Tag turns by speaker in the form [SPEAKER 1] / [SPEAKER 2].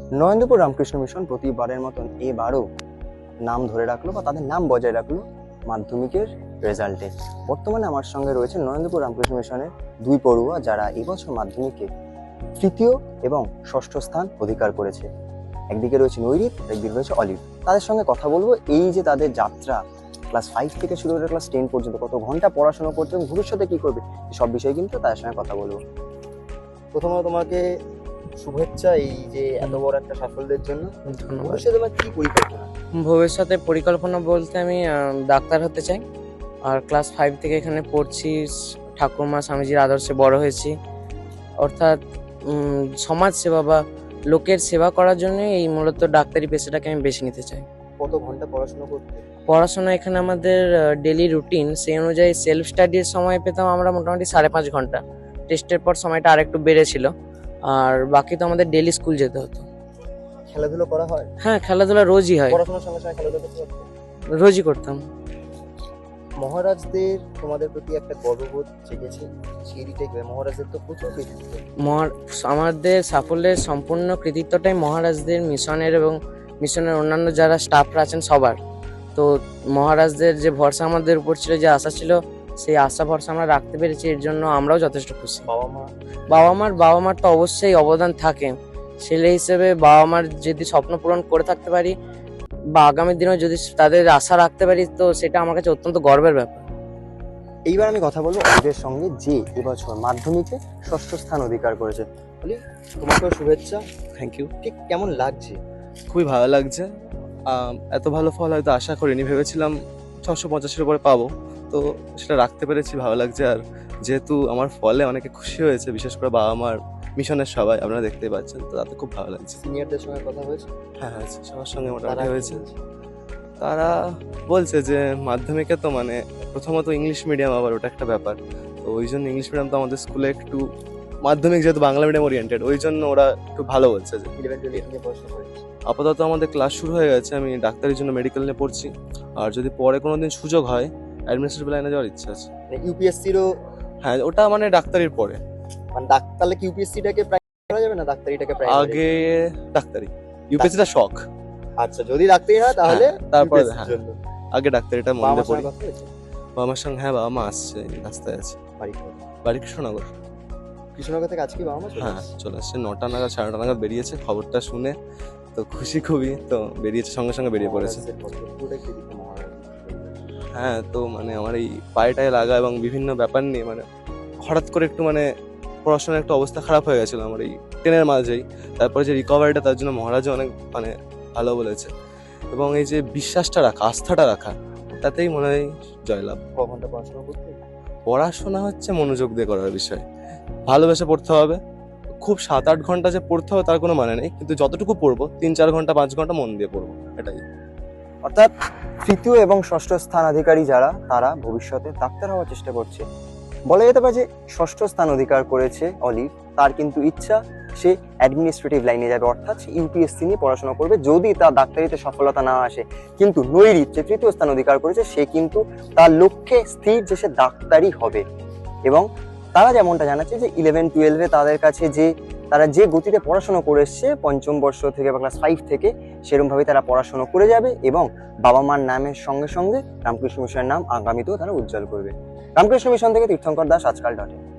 [SPEAKER 1] Narendrapur Ramakrishna mission প্রতিবারের মতন এবারও নাম ধরে রাখলো বা তাদের নাম বজায় রাখলো মাধ্যমিকের রেজাল্টে। বর্তমানে আমার সঙ্গে রয়েছে নরেন্দ্রপুর রামকৃষ্ণ মিশনের দুই পড়ুয়া যারা এবছর মাধ্যমিকে তৃতীয় এবং ষষ্ঠ স্থান অধিকার করেছে। একদিকে রয়েছে নৈরিত, একদিকে রয়েছে অলিভ। তাদের সঙ্গে কথা বলবো এই যে তাদের যাত্রা ক্লাস 5 থেকে শুরু করে ক্লাস 10 পর্যন্ত কত ঘন্টা পড়াশোনা করছে এবং ভবিষ্যতে কি করবে সব বিষয়ে কিন্তু তাদের সঙ্গে কথা বলবো। প্রথমত তোমাকে শুভেচ্ছা এই যে এত বড় একটা সাফল্যের জন্য।
[SPEAKER 2] ধন্যবাদ।
[SPEAKER 1] ভবিষ্যতে তোমার কি পরিকল্পনা?
[SPEAKER 2] ভবিষ্যতে পরিকল্পনা বলতে আমি ডাক্তার হতে চাই। আর ক্লাস 5 থেকে এখানে পড়ছি, ঠাকুরমা স্বামীজির আদর্শে বড় হয়েছি। অর্থাৎ সমাজ সেবা বা লোকের সেবা করার জন্য এই মূলত ডাক্তারি পেশাটাকে আমি বেছে নিতে চাই।
[SPEAKER 1] কত ঘন্টা পড়াশোনা করতে?
[SPEAKER 2] পড়াশোনা এখানে আমাদের ডেলি রুটিন, সেই অনুযায়ী সেলফ স্টাডির সময় পেতাম আমরা মোটামুটি 5.5 ঘন্টা। টেস্টের পর সময়টা আরেকটু বেড়েছিল। আর বাকি তো আমাদের ডেলি স্কুল যেতে হতো।
[SPEAKER 1] খেলাধুলো করা হয়?
[SPEAKER 2] হ্যাঁ, খেলাধুলা রোজই হয়,
[SPEAKER 1] পড়াশোনার সঙ্গে সঙ্গে খেলাধুলো করতে পারতে?
[SPEAKER 2] রোজই করতাম।
[SPEAKER 1] মহারাজদের তোমাদের প্রতি একটা গর্ববোধ জেগেছে, সেই দিকটাই মহারাজদের তো প্রচুর কৃতিত্ব।
[SPEAKER 2] আমাদের সাফল্যের সম্পূর্ণ কৃতিত্বটাই মহারাজদের মিশনের এবং মিশনের অন্যান্য যারা স্টাফরা আছেন সবার। তো মহারাজদের যে ভরসা আমাদের উপর ছিল, যে আশা ছিল, সেই আশা ভরসা আমরা রাখতে পেরেছি, এর জন্য আমরাও যথেষ্ট খুশি। বাবা মার তো অবশ্যই অবদান থাকে। ছেলে হিসেবে বাবা মার যদি স্বপ্ন পূরণ করে থাকতে পারি বা আগামী দিনেও যদি তাদের আশা রাখতে পারি, তো সেটা আমার কাছে অত্যন্ত গর্বের ব্যাপার।
[SPEAKER 1] এইবার আমি কথা বলবো অলিভের সঙ্গে, যে এবছর মাধ্যমিকে ষষ্ঠ স্থান অধিকার করেছে। অলিভ, তোমাকেও শুভেচ্ছা।
[SPEAKER 3] Thank you.
[SPEAKER 1] ঠিক কেমন লাগছে?
[SPEAKER 3] খুবই ভালো লাগছে। এত ভালো ফল হয়তো আশা করিনি, ভেবেছিলাম 685-এর উপরে পাবো, তো সেটা রাখতে পেরেছি, ভালো লাগছে। আর যেহেতু আমার ফলে অনেকে খুশি হয়েছে, বিশেষ করে বাবা মার, মিশনের সবাই, আপনারা দেখতেই পাচ্ছেন, তো তাতে খুব ভালো লাগছে।
[SPEAKER 1] সিনিয়রদের সঙ্গে কথা হয়েছে?
[SPEAKER 3] হ্যাঁ হয়েছে, সবার সঙ্গে
[SPEAKER 1] তারা
[SPEAKER 3] মোটামুটি
[SPEAKER 1] কি
[SPEAKER 3] হয়েছে।
[SPEAKER 1] বলছে?
[SPEAKER 3] তারা বলছে যে মাধ্যমিকে তো মানে প্রথমত ইংলিশ মিডিয়াম, আবার ওটা একটা ব্যাপার, তো ওই জন্য ইংলিশ মিডিয়াম তো আমাদের স্কুলে একটু, মাধ্যমিক যেহেতু বাংলা মিডিয়াম ওরিয়েন্টেড, ওই জন্য ওরা একটু ভালো বলছে যে
[SPEAKER 1] 11-12 নিয়ে পড়াশোনা করেছে।
[SPEAKER 3] আপাতত আমাদের ক্লাস শুরু হয়ে গেছে, আমি ডাক্তারির জন্য মেডিকেল নিয়ে পড়ছি। আর যদি পরে কোনোদিন সুযোগ হয়, অ্যাডমিনিস্ট্রেটিভ লাইনে যাওয়ার ইচ্ছা আছে।
[SPEAKER 1] মানে ইউপিএসসিরও,
[SPEAKER 3] হ্যাঁ, ওটা মানে ডাক্তারির পরে।
[SPEAKER 1] মানে তাহলে কি ইউপিএসসিটাকে প্রাইভেট করা যাবে না, ডাক্তারিটাকে প্রাইভেট?
[SPEAKER 3] আগে ডাক্তারি, ইউপিএসসিটা শখ।
[SPEAKER 1] আচ্ছা, যদি ডাক্তারি হয় তাহলে
[SPEAKER 3] তারপরে
[SPEAKER 1] UPSC র জন্য।
[SPEAKER 3] আগে ডাক্তারিটা মন
[SPEAKER 1] বাবা
[SPEAKER 3] দিয়ে
[SPEAKER 1] মার
[SPEAKER 3] পড়ি।
[SPEAKER 1] সঙ্গে কথা হয়েছে?
[SPEAKER 3] বাবা মার সঙ্গে, হ্যাঁ, বাবা মা আসছে, রাস্তায় আছে।
[SPEAKER 1] বাড়ি থেকে?
[SPEAKER 3] বাড়ি কৃষ্ণনগর।
[SPEAKER 1] কৃষ্ণনগর থেকে আজকে বাবা মা চলে
[SPEAKER 3] হ্যাঁ,
[SPEAKER 1] আসছে?
[SPEAKER 3] চলে আসছে 9টা নাগাদ, 9:30 নাগাদ বেরিয়েছে। খবরটা শুনে তো খুশি খুবই, তো বেরিয়েছে, সঙ্গে সঙ্গে বেরিয়ে পড়েছে।
[SPEAKER 1] মহারাজদের পক্ষে পুরোটাই কৃতিত্ব মহারাজ।
[SPEAKER 3] হ্যাঁ, তো মানে আমার এই পায়েটায় লাগা এবং বিভিন্ন ব্যাপার নিয়ে মানে হঠাৎ করে একটু মানে পড়াশোনার একটু অবস্থা খারাপ হয়ে গেছিলো আমার এই 10-এর মাঝেই। তারপরে যে রিকভারিটা, তার জন্য মহারাজও অনেক মানে ভালো বলেছে। এবং এই যে বিশ্বাসটা রাখা, আস্থাটা রাখা, তাতেই মনে হয় জয়লাভ।
[SPEAKER 1] ক ঘন্টা পড়াশোনা করতে?
[SPEAKER 3] পড়াশোনা হচ্ছে মনোযোগ দিয়ে করার বিষয়, ভালোবেসে পড়তে হবে। খুব 7-8 ঘন্টা যে পড়তে হবে তার কোনো মানে নেই, কিন্তু যতটুকু পড়বো 3-4 ঘন্টা 5 ঘন্টা মন দিয়ে পড়বো, এটাই।
[SPEAKER 1] অর্থাৎ তৃতীয় এবং ষষ্ঠ স্থান অধিকারী যারা, তারা ভবিষ্যতে ডাক্তার হওয়ার চেষ্টা করছে। বলা যেতে পারে যে ষষ্ঠ স্থান অধিকার করেছে অলিভ, তার কিন্তু ইচ্ছা সে অ্যাডমিনিস্ট্রেটিভ লাইনে যাবে, অর্থাৎ সে ইউপিএসসি নিয়ে পড়াশোনা করবে যদি তার ডাক্তারিতে সফলতা না আসে। কিন্তু নৈরিত যে তৃতীয় স্থান অধিকার করেছে, সে কিন্তু তার লক্ষ্যে স্থির যে সে ডাক্তারই হবে। এবং তারা যেমনটা জানাচ্ছে যে 11-12-এ তাদের কাছে যে তারা যে গতিতে পড়াশোনা করে এসছে পঞ্চম বর্ষ থেকে বা ক্লাস 5 থেকে, সেরকমভাবে তারা পড়াশোনা করে যাবে এবং বাবা মার নামের সঙ্গে সঙ্গে রামকৃষ্ণ মিশনের নাম আগামীতেও তারা উজ্জ্বল করবে। রামকৃষ্ণ মিশন থেকে তীর্থঙ্কর দাস, আজকাল ডট ইন।